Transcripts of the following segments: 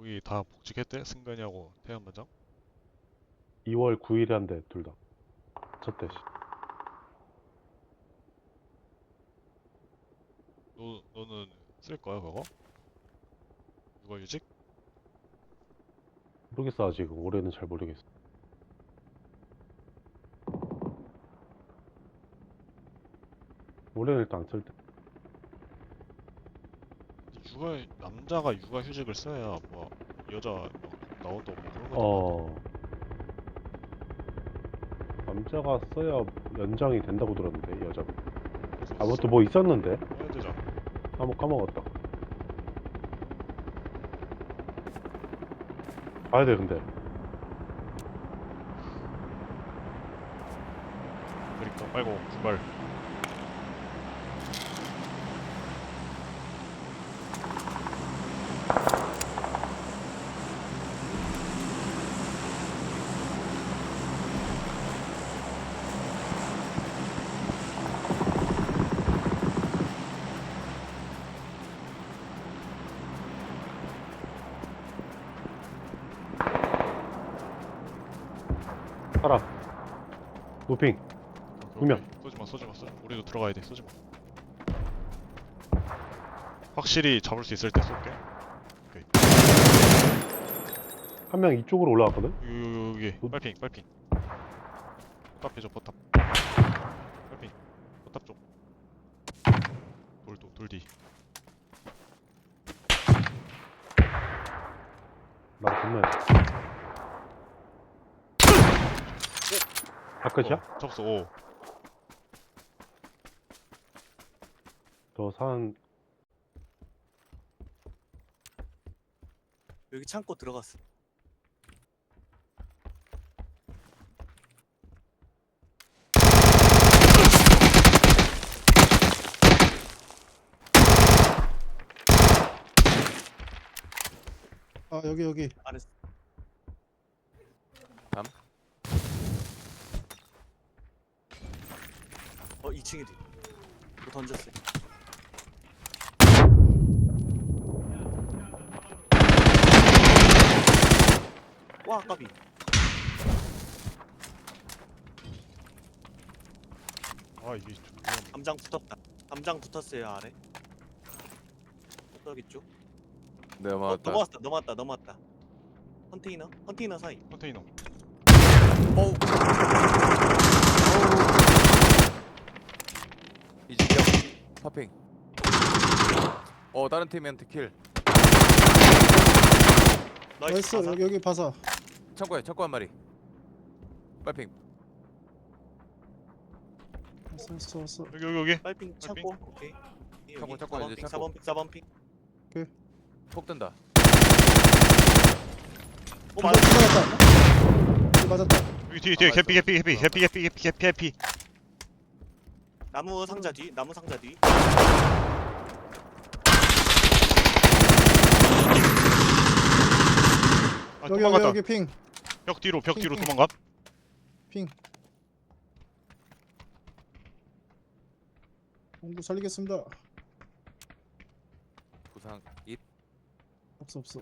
거기 다 복직했대? 승관이하고 태연 반장? 2월 9일에 한대 둘 다. 첫대. 너는 쓸 거야 그거? 육아휴직? 모르겠어 아직. 올해는 잘 모르겠어. 올해는 일단 안 쓸 때. 남자가 육아휴직을 써야 뭐 여자 막 나온다고 뭐 그런 것도 많아. 어 남자가 써야 연장이 된다고 들었는데 여자가. 그래서 아 뭐 또 뭐 있었는데? 써야 되잖아. 한번 까먹었다. 봐야 돼 근데. 그러니까 빨고 출발. 살아. 노핑. 두 명. 쏘지마. 우리도 들어가야 돼. 쏘지마. 확실히 잡을 수 있을 때 쏠게. 오케이. 한 명 이쪽으로 올라왔거든? 여기 어? 빨핑. 포탑 해줘 포탑. 빨핑. 포탑 쪽. 돌 뒤. 나 건너야 돼. 아 끝이야? 잡았어. 오. 저 산 여기 창고 들어갔어. 아 여기 알았어. 담? 2층이지. 뭐 던졌어. 와, 까비. 아 이게 좀 위험해. 담장 붙었다. 담장 붙었어요, 아래. 여기 쪽. 내가 맞았다. 넘어왔다. 컨테이너 사이. 컨테이너. 어우, 이지경 파핑. 다른 팀한테 킬. 나이스. 가사. 여기 봐서 창고 한 마리. 빨핑. 왔어. 여기. 빨핑 창고. 오케이. 창고, 이제 창고. 4번 핑. 폭 뜬다. 맞아. 맞았다. 맞았다. 여기 뒤에 맞았어. 개피. 나무 상자 뒤. 아 여기 도망갔다. 여기 핑. 벽 뒤로 핑. 도망가. 핑. 공구 살리겠습니다. 부상 입. 없어.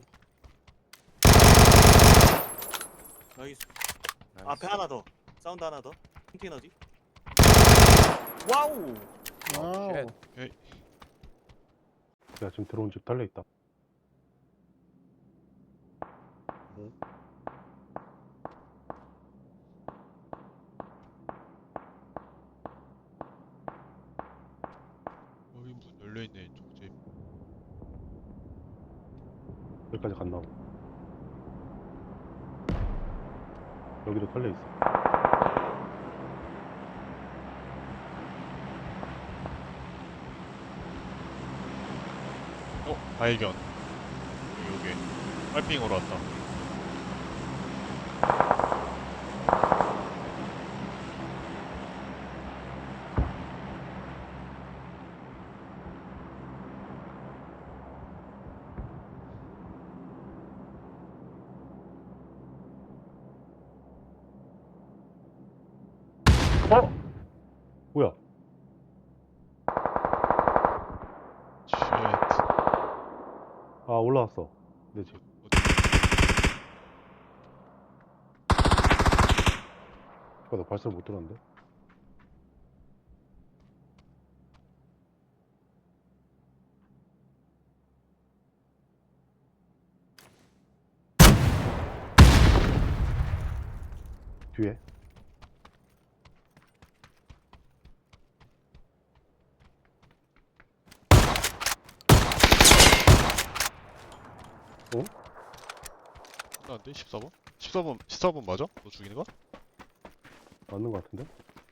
나이스. 나이스. 앞에 하나 더. 사운드 하나 더. 컨테이너 뒤. 와우. 와우. 쉣. 내가 지금 들어온 집 달려있다. 여기 무슨 열려있네 이쪽 집. 여기까지 갔나 봐. 여기도 달려있어. 발견. 여기 빨핑으로 왔다. 뭐야? 쉣. 아 올라왔어. 내 집. 어디? 나 발소리 못 들었는데. 뒤에. 끝났는데? 14번? 14번 맞아? 너 죽이는 거? 맞는 거 같은데?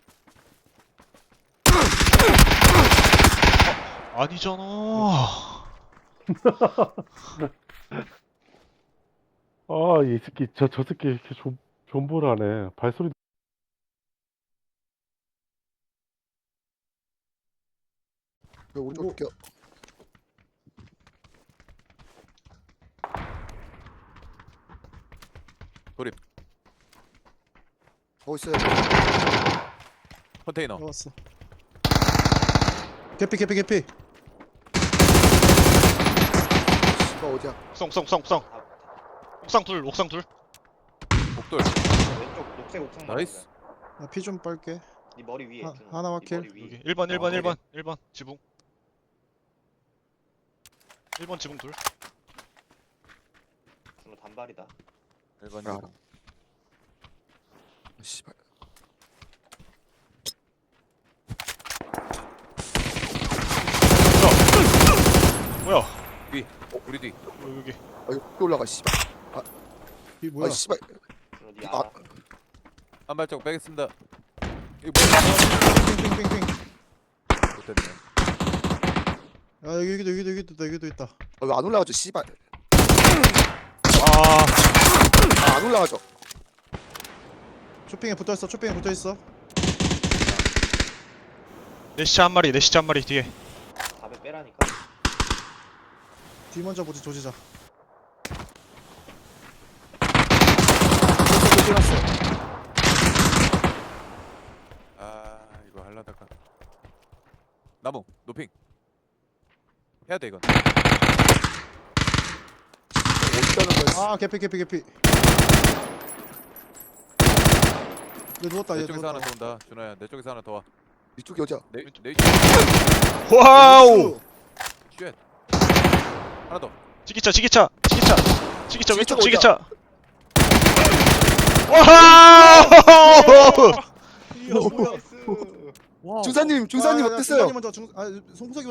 아니잖아. 아, 이 새끼, 저 새끼 이렇게 존버를 하네. 발소리. 오른쪽 뭐- 볼게요. 돌입. 있어요. 컨테이너. 나왔어. 개피 개피 개피. 씨발 어디야? 옥상 둘. 복돌. 왼쪽 녹색 옥상 나이스. 나 피 좀 빨게. 네 머리 위에 하- 준호. 하나 네 확킬. 머리 위에. 여기 1번 1번 어, 1번 지붕. 1번 지붕 둘. 준호 단발이다. 1번 아. 지붕. 씨발. 뭐야? 우리 뒤. 여기. 아 이거 또 올라가 씨발. 이 뭐야? 아 씨발. 준호 네 아. 알아. 한 발짝 빼겠습니다. 이거 뭐야? 핑핑핑핑. 못됐네. 아 여기도 있다 여기도 있다. 아, 왜 안 올라가죠 씨발. 아, 아, 안 올라가죠. 쇼핑에 붙어 있어. 쇼핑에 붙어 있어. 내 시체 한 마리 뒤에. 답에 빼라니까. 뒤 먼저 보지 조지자. 아 이거 할라다가. 나무 노핑. 해야 돼 이건. 어디다는 거야? 아 개피. 얘 누웠다 얘 내 쪽에서 하나 누웠다. 더 온다. 준호야 내 쪽에서 하나 더 와. 이쪽이 어디야? 내 와우! 쉣. 하나 더. 지기차 왼쪽 지기차가 지기차. 와우! 나이스. 중사님 아, 야, 어땠어요? 중산이 먼저 송석이